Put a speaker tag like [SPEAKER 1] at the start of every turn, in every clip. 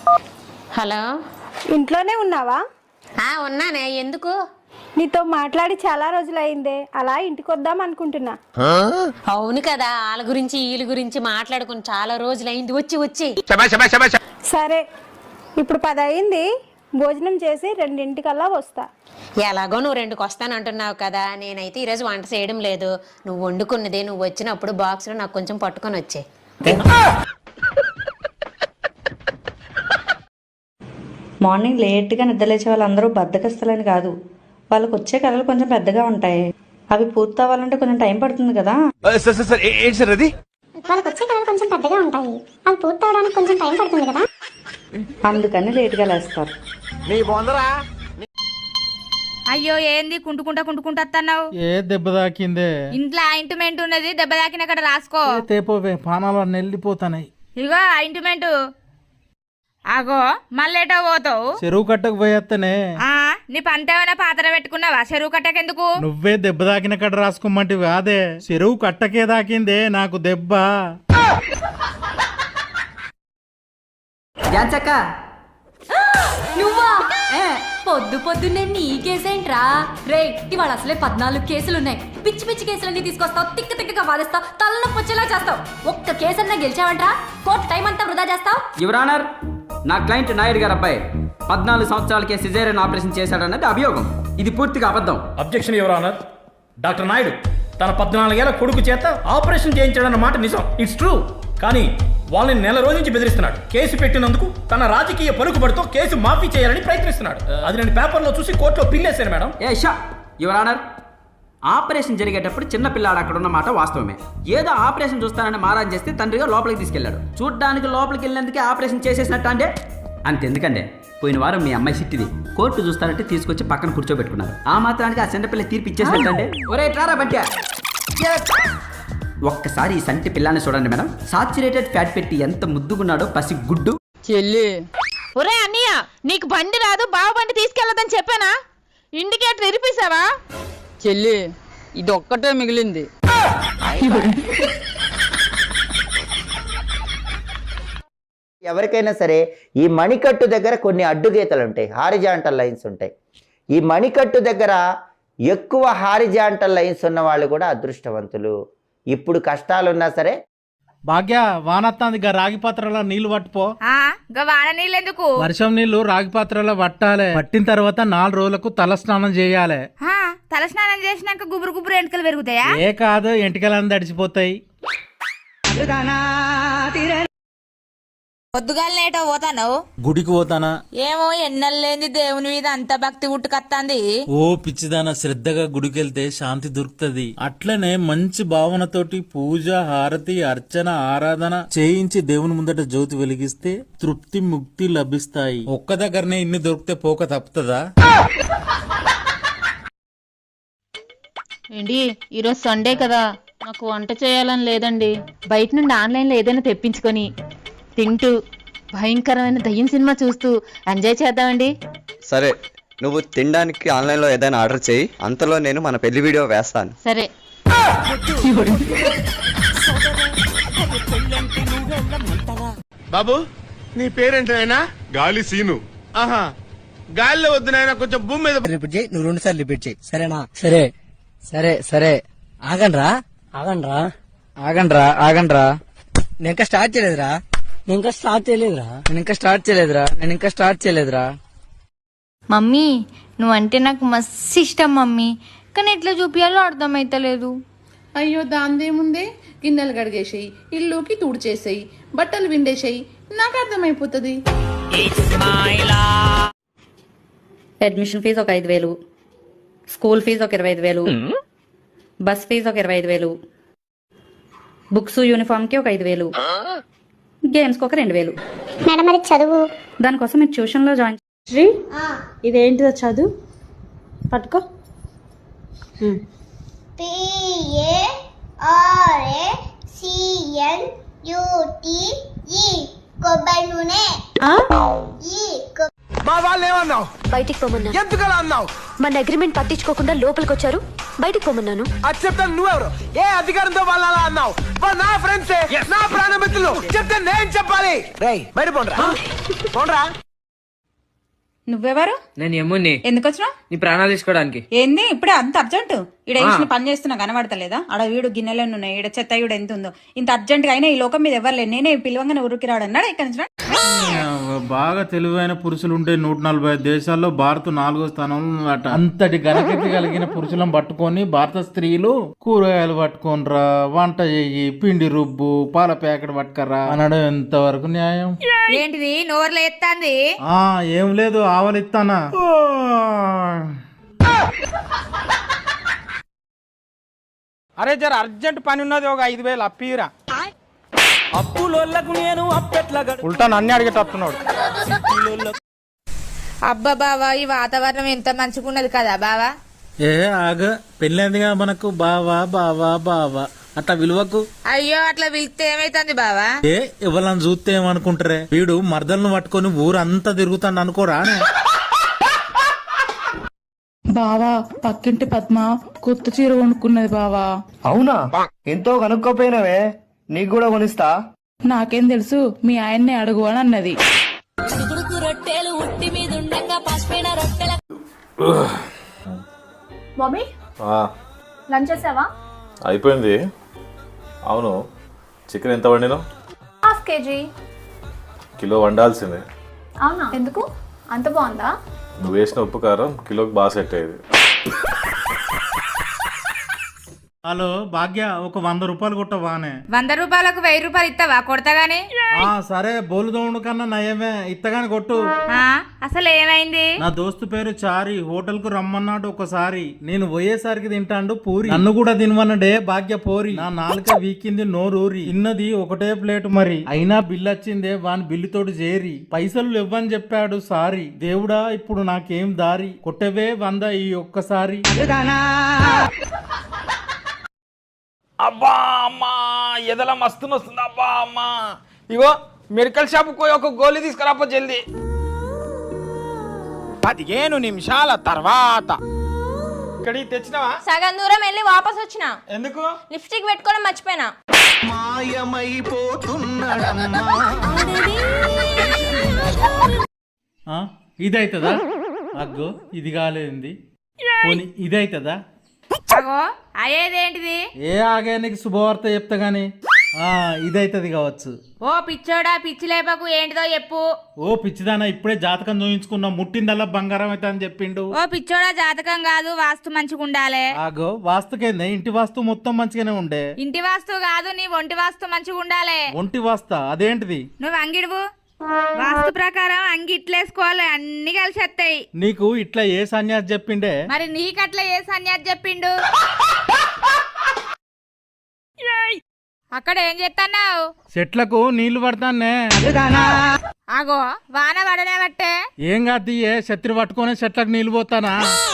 [SPEAKER 1] Hello,
[SPEAKER 2] ఇంట్లోనే ఉన్నావా?
[SPEAKER 1] ఉన్నానే. ఎందుకు?
[SPEAKER 2] నీతో మాట్లాడి చాలా రోజులైందే, అలా ఇంటికి వద్దాం అనుకుంటున్నా.
[SPEAKER 1] అవును కదా, వాళ్ళ గురించి వీళ్ళ గురించి మాట్లాడుకుని చాలా రోజులైంది. వచ్చి వచ్చి
[SPEAKER 2] సరే, ఇప్పుడు 10 అయింది. భోజనం చేసి 2:00కల్లా వస్తా.
[SPEAKER 1] ఎలాగో నువ్వు 2కి వస్తానంటున్నావు కదా, నేనైతే ఈరోజు వంట చేయడం లేదు. నువ్వు వండుకున్నదే నువ్వు వచ్చినప్పుడు బాక్స్లో నాకు కొంచెం పట్టుకొని వచ్చే.
[SPEAKER 3] మార్నింగ్ లేట్గా నిద్రలేచే వాళ్ళందరూ బద్దకస్తులని కాదు, వాళ్ళకి వచ్చే కళలు కొంచెం పెద్దగా ఉంటాయి. అవి పూర్తి అవ్వాలంటే కొంచెం టైం పడుతుంది కదా.
[SPEAKER 4] వాళ్ళకి వచ్చే కళలు కొంచెం పెద్దగా ఉంటాయి, అవి పూర్తి అవడానికి కొంచెం టైం పడుతుంది కదా.
[SPEAKER 3] అందుకని లేట్గా లేస్తారు.
[SPEAKER 5] అయ్యో, ఏంది కుంటుకుంటా వస్తున్నావు?
[SPEAKER 6] ఏ దెబ్బ తాకిందే?
[SPEAKER 5] ఇంట్లో ఆయింట్మెంట్ ఉన్నది, దెబ్బ తాకిన అక్కడ రాసుకో.
[SPEAKER 6] తేపోవే, పానాలు నెల్లిపోతాయి.
[SPEAKER 5] ఇగో ఆయింట్మెంట్. ఆగో, మళ్ళేటో పోతావు?
[SPEAKER 6] చెరువు కట్టకు పోయేత్తనే.
[SPEAKER 5] నీ పంతేమైనా పాత్ర పెట్టుకున్నావా? చెరువు కట్టకెందుకు?
[SPEAKER 6] నువ్వే దెబ్బ తాకిన కట్ట రాసుకోమంటివి కాదే, చెరువు కట్టకే తాకిందే నాకు దెబ్బ.
[SPEAKER 7] నువ్వా? పొద్దున్నే నీ కేసేంట్రా రే? ఇవాళ అసలే 14 కేసులున్నాయి. పిచ్చి పిచ్చి కేసులన్నీ తీసుకొస్తావు, తిక్కగా వాదిస్తావు, తలనొప్పి వచ్చేలా చేస్తావు. ఒక్క కేసన్నా గెలిచావంట్రా? కోర్టు టైం అంతా వృధా చేస్తావు.
[SPEAKER 8] యువర్ ఆనర్, నా క్లయింట్ నాయుడు గారు అబ్బాయి 14 సంవత్సరాలకే సిజేరియన్ ఆపరేషన్ చేశాడన్నది అభియోగం. ఇది పూర్తిగా అబద్ధం.
[SPEAKER 9] Objection your honour. Doctor Naidu తన 14 ఏళ్ల కొడుకు చేత ఆపరేషన్ చేయించాడన్న మాట నిజం, ఇట్స్ ట్రూ. కానీ వాళ్ళని నెల రోజు నుంచి బెదిరిస్తున్నాడు. కేసు పెట్టినందుకు తన రాజకీయ పలుకుబడితో కేసు మాఫీ చేయాలని ప్రయత్నిస్తున్నాడు. అది నేను పేపర్లో చూసి కోర్టులో పిల్లేశాను మేడం.
[SPEAKER 8] యువర్ ఆనర్, ఆపరేషన్ జరిగేటప్పుడు చిన్న పిల్లాడు అక్కడ ఉన్న మాట వాస్తవమే. ఏదో ఆపరేషన్ చూస్తానని మారాన్ చేస్తే తండ్రిగా లోపలికి తీసుకెళ్లాడు. చూడ్డానికి లోపలికి వెళ్ళినందుకే ఆపరేషన్ చేసేసినట్టు అంటే అంతెందుకండి, పోయిన వారం మీ అమ్మాయి సిట్టిది కోర్టు చూస్తానంటే తీసుకొచ్చి పక్కన కూర్చోబెట్టుకున్నారు. ఆ మాత్రానికి ఆ చిన్నపిల్ల తీర్పు ఇచ్చేసినట్టండి. ఒరే ట్రారా బంటి, ఒక్కసారి ఈ సంటి పిల్లాన్ని చూడండి మేడం. సాచురేటెడ్ ఫ్యాట్ పెట్టి ఎంత ముద్దుగున్నాడో పసి గుడ్డు.
[SPEAKER 5] చెల్లి, ఒరే అన్నయ్య, నీకు బండి రాదు, బావ బండి తీసుకెళ్లదని చెప్పానా? ఇండికేటర్ ఇరిపేశావా? చెల్లి, ఇది ఒక్కటే మిగిలింది.
[SPEAKER 10] ఎవరికైనా సరే ఈ మణికట్టు దగ్గర కొన్ని అడ్డుగీతలు ఉంటాయి, హారిజాంటల్ లైన్స్ ఉంటాయి. ఈ మణికట్టు దగ్గర ఎక్కువ హారిజాంటల్ లైన్స్ ఉన్న వాళ్ళు కూడా అదృష్టవంతులు. ఇప్పుడు కష్టాలున్నా సరే.
[SPEAKER 6] భాగ్య, వానత్తాంది, గా రాగి పాత్రలో నీళ్లు పట్టుపో.
[SPEAKER 5] వాన నీళ్ళు ఎందుకు?
[SPEAKER 6] వర్షం నీళ్లు రాగి పాత్రలో పట్టాలి. పట్టిన తర్వాత 4 రోజులకు తల స్నానం చేయాలి.
[SPEAKER 5] తల స్నానం చేసినాక గుబురు ఎంటికలు పెరుగుతాయా?
[SPEAKER 6] ఏ కాదు, ఎంటికలన్నీ తడిచిపోతాయి.
[SPEAKER 5] పొద్దుగాలనేటో పోతాను.
[SPEAKER 11] గుడికి పోతానా?
[SPEAKER 5] ఏమో, ఎన్నెల్లేంది దేవుని మీద అంత భక్తి ఉట్టుకత్తాంది.
[SPEAKER 11] ఓ పిచ్చిదానా, శ్రద్ధగా గుడికెళ్తే శాంతి దొరుకుతది. అట్లనే మంచి భావనతోటి పూజ, హారతి, అర్చన, ఆరాధన చేయించి దేవుని ముందట జ్యోతి వెలిగిస్తే తృప్తి, ముక్తి లభిస్తాయి. ఒక్క దగ్గరనే ఇన్ని దొరికితే పోక తప్పుతుందా?
[SPEAKER 12] ఏంటి, ఈరోజు సండే కదా, నాకు వంట చేయాలని లేదండి. బయట నుండి ఆన్లైన్లో ఏదైనా తెప్పించుకొని తింటూ భయంకరమైన దయ్యం సినిమా చూస్తూ ఎంజాయ్ చేద్దామండి.
[SPEAKER 13] సరే, నువ్వు తినడానికి ఆన్లైన్లో ఏదైనా ఆర్డర్ చేయి, అంతలో నేను మన పెళ్లి వీడియో వేస్తాను.
[SPEAKER 12] సరే.
[SPEAKER 14] బాబు, నీ పేరేంటైనా? గాలి సీను. ఆహా, గాలిలో వద్దు నాయన, కొంచెం భూమి మీద రిపీట్ చేయి. నువ్వు 2 సార్లు రిపీట్ చేయి, సరేనా? సరే సరే సరే. ఆగండ్రా ఆగండ్రా ఆగండ్రా ఆగండ్రా. నేను ఇంకా స్టార్ట్ చేయలేదురా. నేను ఇంకా స్టార్ట్ చేయలేదురా.
[SPEAKER 15] మమ్మీ, నువ్వంటే నాకు మస్తు ఇష్టం మమ్మీ, కానీ ఎట్లా చూపించాలో అర్థమైతలేదు.
[SPEAKER 16] అయ్యో, దాందేముందే, గిన్నెలు కడిగేసేయి, ఇల్లుకి తుడిచేసేయి, బట్టలు విండేసేయి, నాకు అర్థమైపోతుంది.
[SPEAKER 3] అడ్మిషన్ ఫీజు ఒక 5,000, స్కూల్ ఫీజు ఒక 25,000, బస్ ఫీజు ఒక 25,000, బుక్స్ యూనిఫామ్కి ఒక 5,000, గేమ్స్కి ఒక 2,000.
[SPEAKER 4] మేడం, మరి చదువు?
[SPEAKER 3] దానికోసం మీరు ట్యూషన్లో జాయిన్.
[SPEAKER 2] శ్రీ, ఇదేంటిదో చదువు పట్టుకో.
[SPEAKER 14] మా వాళ్ళు అన్నావు?
[SPEAKER 17] బయటికి పోమన్నా.
[SPEAKER 14] ఎందుకలా అన్నావు?
[SPEAKER 17] మన అగ్రిమెంట్ పట్టించుకోకుండా లోపలికి వచ్చారు, బయటికి పోమన్నాను.
[SPEAKER 14] అది చెప్తాను. నువ్వెవరు? ఏ అధికారంతో వాళ్ళు అలా అన్నావు? వాళ్ళు నా ఫ్రెండ్సే, నా ప్రాణమిత్రులు. చెప్తే నేను చెప్పాలి. రేయ్ బయట పోండ్రా, పోండ్రా.
[SPEAKER 5] నువ్వెవరు?
[SPEAKER 18] నేను యమ్ముని.
[SPEAKER 5] ఎందుకు వచ్చినావు?
[SPEAKER 18] నీ ప్రాణాలు తీసుకోవడానికి.
[SPEAKER 5] ఏంది ఇప్పుడే అంత అర్జెంట్? ఈడ వేసిన పని చేస్తున్నా కనబడతలేదా? ఆడ వీడు గిన్నెలు ఉన్నాయి, ఈడ చెత్త ఈడ ఎంత ఉందో. ఇంత అర్జెంట్ గా అయినా ఈ లోకం మీద ఎవరు లేదు. నేనే పిలవంగానే ఊరికి రాడన్నాడు. ఇక్కడ నుంచి
[SPEAKER 11] బాగా తెలివైన పురుషులు ఉంటే 145 దేశాల్లో భారత్ 4వ స్థానంలో ఉందట. అంతటి ఘనకీర్తి కలిగిన పురుషులను పట్టుకొని భారత స్త్రీలు కూరగాయలు పట్టుకోనరా, వంట చెయ్యి, పిండి రుబ్బు, పాల ప్యాకెట్ పట్టుకరా అనడం ఎంతవరకు న్యాయం?
[SPEAKER 5] ఏంటిది నోర్లు ఎత్తాంది?
[SPEAKER 11] ఏం లేదు, ఆవలిస్తానా.
[SPEAKER 14] అరే జర అర్జెంట్ పని ఉన్నది, ఒక 5,000 అప్పిరా. అప్పులోళ్ళకు నేను అప్పెట్లా ఉల్టా నన్ను అడిగేటట్టున్నాడు.
[SPEAKER 5] అబ్బా బావా, ఈ వాతావరణం ఎంత మంచిగున్నది కదా బావా.
[SPEAKER 11] ఆగ పెళ్ళైందిగా మనకు బావా బావా బావా అట్లా విలువకు.
[SPEAKER 5] అయ్యో అట్లా పిలిస్తే ఏమైతుంది బావా?
[SPEAKER 11] ఎవరన్నా చూస్తే ఏమనుకుంటారే, వీడు మర్దలను పట్టుకొని ఊరంతా తిరుగుతాడు అనుకోరా.
[SPEAKER 16] బావా పక్కింటి పద్మ కొత్త చీర కొనుక్కున్నది బావా.
[SPEAKER 14] అవునా? ఎంతో కనుక్కోపోయినవే, నీకు కూడా కొనిస్తా.
[SPEAKER 16] నాకేం తెలుసు, మీ ఆయన్నే అడుగు అని అన్నది.
[SPEAKER 2] మమ్మీ లంచ్ చేసావా?
[SPEAKER 19] అయిపోయింది. అవును, చికెన్ ఎంత వండినావు?
[SPEAKER 2] ½ కేజీ.
[SPEAKER 19] కిలో వండాల్సిందే.
[SPEAKER 2] అవునా? ఎందుకు అంత బాగుందా?
[SPEAKER 19] నువ్వు వేసిన ఉప్పు కారం కిలోకి బాగా సెట్ అయ్యేది.
[SPEAKER 6] హలో భాగ్య, ఒక 100 రూపాయలు కొట్టవానే.
[SPEAKER 5] 100 రూపాయలకు 1000 రూపాయలు ఇస్తావా? కొడతాగానే.
[SPEAKER 6] సరే, బోలుదోముడు కన్నా నయమే, ఇత్తగాని కొట్టు.
[SPEAKER 5] అసలు ఏమైంది?
[SPEAKER 6] నా దోస్తు పేరు చారి, హోటల్ కు రమ్మన్నాడు ఒకసారి. నేను పోయేసరికి తింటాండు పూరి, నన్ను కూడా తినవన్నడే భాగ్య పోరి. నా నాలుక వీకింది నోరూరి, తిన్నది ఒకటే ప్లేట్ మరి, అయినా బిల్లు వచ్చిందే వాని బిల్లుతోటి చేరి. పైసలు ఇవ్వని చెప్పాడు సారీ. దేవుడా ఇప్పుడు నాకేం దారి, కొట్టవే 100 ఈ ఒక్కసారి.
[SPEAKER 14] అబ్బా అమ్మా, ఎదలా మస్తు వస్తుంది. అబ్బా అమ్మా, ఇగో మెడికల్ షాప్ పోయి ఒక గోళీ తీసుకురాపో జల్దీ. 15 నిమిషాల తర్వాత ఇక్కడికి తెచ్చినావా?
[SPEAKER 2] సగం దూరం వెళ్ళి వాపస్ వచ్చిన.
[SPEAKER 14] ఎందుకు?
[SPEAKER 2] లిప్స్టిక్ పెట్టుకోవడం మర్చిపోయినా.
[SPEAKER 6] ఇదైతుందా? అగ్గో ఇది కాలేంది, పోనీ ఇదైతుందా?
[SPEAKER 5] అయ్యేదేంటిది?
[SPEAKER 6] ఆగే నీకు శుభవార్త చెప్తా గాని. ఇదైతది కావచ్చు.
[SPEAKER 5] ఓ పిచ్చోడా, పిచ్చి లేపకు, ఏంటిదో చెప్పు.
[SPEAKER 6] ఓ పిచ్చిదానా, ఇప్పుడే జాతకం చూయించుకున్నా, ముట్టిందల్లా బంగారం అయితే అని చెప్పిండు.
[SPEAKER 5] ఓ పిచ్చోడా, జాతకం కాదు, వాస్తు మంచిగా ఉండాలి.
[SPEAKER 6] ఆగో వాస్తుకేందే, ఇంటి వాస్తు మొత్తం మంచిగానే ఉండే.
[SPEAKER 5] ఇంటి వాస్తు కాదు, నీ ఒంటి వాస్తు మంచిగా ఉండాలి.
[SPEAKER 6] ఒంటి వాస్తా అదేంటిది?
[SPEAKER 5] నువ్వు అంగిడువు. వాస్తు ప్రకారం అంగి ఇట్లేసుకోవాలి, అన్ని కలిసి వస్తాయి.
[SPEAKER 6] నీకు ఇట్లా ఏ సన్యాసి చెప్పిండే?
[SPEAKER 5] మరి నీకట్లా ఏ సన్యాసి చెప్పిండు? అక్కడ ఏం చేస్తున్నావు?
[SPEAKER 6] చెట్లకు నీళ్లు పడతానే.
[SPEAKER 5] ఆగో వాన పడనే బట్టే.
[SPEAKER 6] ఏం కాదు, శత్రు పట్టుకొని చెట్లకు నీళ్లు పోతానా?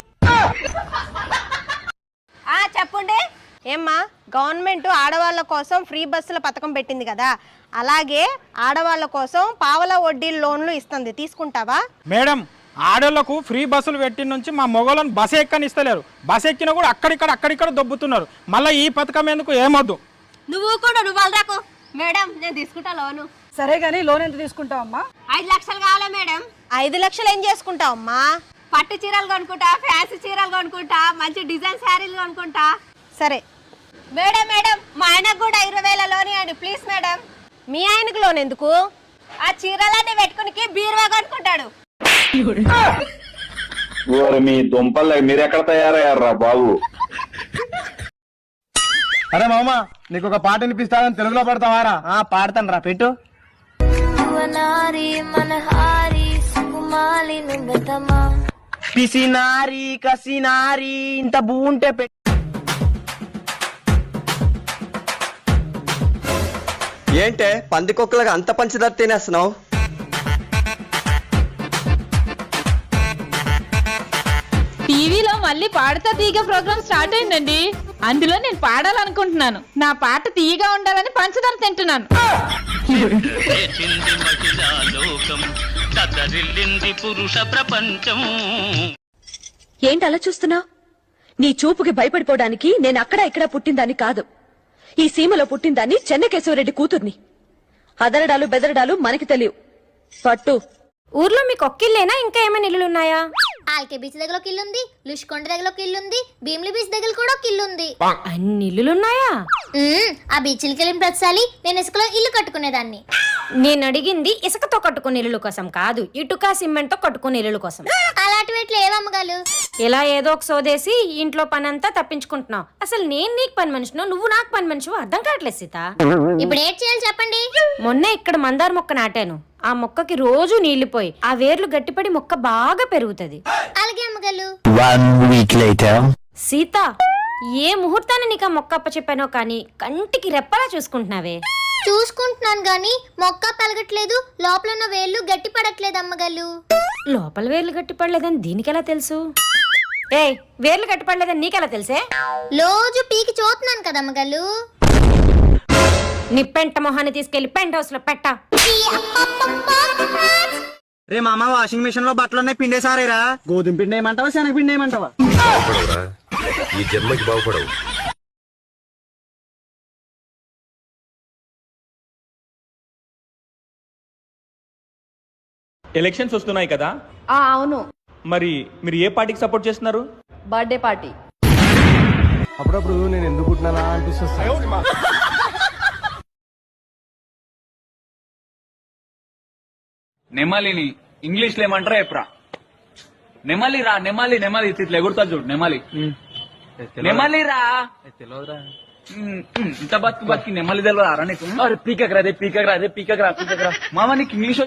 [SPEAKER 2] చెప్పండి. ఏమ్మా, గవర్నమెంట్ ఆడవాళ్ళ కోసం ఫ్రీ బస్సుల పథకం పెట్టింది కదా, అలాగే ఆడవాళ్ళ కోసం పావలా వడ్డీ లోన్లు ఇస్తుంది, తీసుకుంటావా?
[SPEAKER 14] మేడం, ఆడోళ్లకు ఫ్రీ బస్సులు పెట్టిన నుంచి మా మొగలను బస్ ఎక్కనిస్తలేరు. బస్ ఎక్కినా కూడా అక్కడిక్కడ దొబ్బుతున్నారు. మళ్ళీ ఈ పథకం ఎందుకు? ఏమొద్దు.
[SPEAKER 2] నువ్వు కూడా నువ్వు మేడం, నేను తీసుకుంటా లోను.
[SPEAKER 5] సరే గానీ లోన్ ఎంత తీసుకుంటావమ్మా?
[SPEAKER 2] 5 లక్షలు కావాలా మేడం? 5 లక్షలు ఏం చేసుకుంటావమ్మా? పట్టు చీరలు కొనుక్కుంటా, ఫ్యాన్సీ చీరలు కొనుక్కుంటా, మంచి డిజైన్ శారీలు కొనుక్కుంటా. సరే మేడం, మా ఆయనకు కూడా 20,000 లోన్ ఇవ్వండి ప్లీజ్ మేడం. మీ ఆయనకు లోన్ ఎందుకు? ఆ చీరలన్నీ పెట్టుకుని బీరువా కొనుక్కుంటాడు.
[SPEAKER 20] మీ దుంపల్ మీరు ఎక్కడ తయారయ్యారా బాబు?
[SPEAKER 14] అరే మామ, నీకు ఒక పాట వినిపిస్తానని తెలుగులో పడతావారా? పాడతాను రా, పెట్టు. పిసినారి కసినారి ఇంత బూంటే పెట్టు.
[SPEAKER 13] ఏంటే పందికొక్కలుగా అంత పంచదార తినేస్తున్నావు?
[SPEAKER 12] టీవీలో మళ్ళీ పాడతా తీగ ప్రోగ్రామ్ స్టార్ట్ అయిందండి. అందులో నేను పాడాలనుకుంటున్నాను. నా పాట తీయగా ఉండాలని పంచదార తింటున్నాను.
[SPEAKER 18] పురుష ప్రపంచం.
[SPEAKER 17] ఏంటి అలా చూస్తున్నావు? నీ చూపుకి భయపడిపోవడానికి నేను అక్కడ ఇక్కడ పుట్టిందాన్ని కాదు. ఈ సీమలో పుట్టిందాన్ని చెన్నకేశవరెడ్డి కూతుర్ని. అదరడాలు బెదరడాలు మనకి తెలియవు. పట్టు.
[SPEAKER 2] ఊర్లో మీకు ఒక్కిల్లేనా, ఇంకా ఏమైనా ఇల్లులున్నాయా?
[SPEAKER 21] ఆల్కే బీచ్ దగ్గర ఒక ఇల్లు ఉంది, లుష్కొండ దగ్గర ఒక ఇల్లు ఉంది, భీమిలి బీచ్ దగ్గర కూడా ఒక ఇల్లు ఉంది.
[SPEAKER 2] అన్ని ఇల్లులున్నాయా?
[SPEAKER 21] ఆ బీచ్లకి వెళ్ళిన ప్రతిసారి నేను ఇసుకలో ఇల్లు కట్టుకునేదాన్ని.
[SPEAKER 2] నేను అడిగింది ఇసుకతో కట్టుకునే ఇల్లు కోసం కాదు, ఇటుక సిమెంట్ తో కట్టుకునే ఇల్లు కోసం.
[SPEAKER 21] అలాంటివి ఎట్లా ఏమమ్మగాలు?
[SPEAKER 2] ఇలా ఏదో ఒక సోదేసి ఇంట్లో పని అంతా తప్పించుకుంటున్నావు. అసలు నేను నీకు పని మనిషినో, నువ్వు నాకు పని మనిషివో అర్థం కావట్లేదు సీత.
[SPEAKER 21] ఇప్పుడు ఏం చేయాలి చెప్పండి?
[SPEAKER 2] మొన్న ఇక్కడ మందార మొక్క నాటాను. ఆ మొక్కకి రోజు నీళ్లు పోయి ఆ వేర్లు గట్టిపడి మొక్క బాగా పెరుగుతది.
[SPEAKER 21] అలాగే అమ్మగాలు.
[SPEAKER 2] సీత, ఏ ముహూర్తాన్ని నీకు ఆ మొక్క అప్పచెప్పానో కానీ కంటికి రెప్పలా చూసుకుంటున్నావే.
[SPEAKER 21] చూసుకుంటున్నాను గాని మొక్క పెరగట్లేదు, లోపల ఉన్న వేళ్ళు గట్టి పడట్లేదు అమ్మగాలు.
[SPEAKER 2] లోపల వేర్లు గట్టిపడలేదని దీనికెలా తెలుసు? ఏయ్, వేర్లు గట్టిపడలేదని నీకెలా తెలుసే?
[SPEAKER 21] రోజు పీకి చూస్తున్నాను కదా అమ్మగాలు.
[SPEAKER 2] నీ పెంట మొహాన్ని తీసుకెళ్లి పెంట్ హౌస్ లో పెట్ట.
[SPEAKER 14] రే మామ, వాషింగ్ మిషన్ లో బట్టలున్నాయి, పిండేసారేరా. గోధుమ పిండి ఏమంటావా, శనగ పిండి ఏమంటావా?
[SPEAKER 22] ఈ జన్మకి బాగుపడవు.
[SPEAKER 23] ఎలక్షన్స్ వస్తున్నాయి కదా,
[SPEAKER 15] అవును.
[SPEAKER 23] మరి మీరు ఏ పార్టీకి సపోర్ట్ చేస్తున్నారు?
[SPEAKER 15] Birthday party.
[SPEAKER 14] అప్పుడప్పుడు నేను ఎందుకు పుట్టినా అనిపిస్తుంది.
[SPEAKER 23] నెమలిని ఇంగ్లీష్ లో ఏమంటారా ఎప్పుడా? నెమలి రా, నెమలి నెమలి ఇట్లా ఎగురుతా చూడు, నెమలి నెమలి రా. ఇంత బతుకు బతికి నెమలి తెలియదు రా నీకు? పీకక్ రా, పీకక్ రా, పీకక్ రా. మామ నీకు ఇంగ్లీష్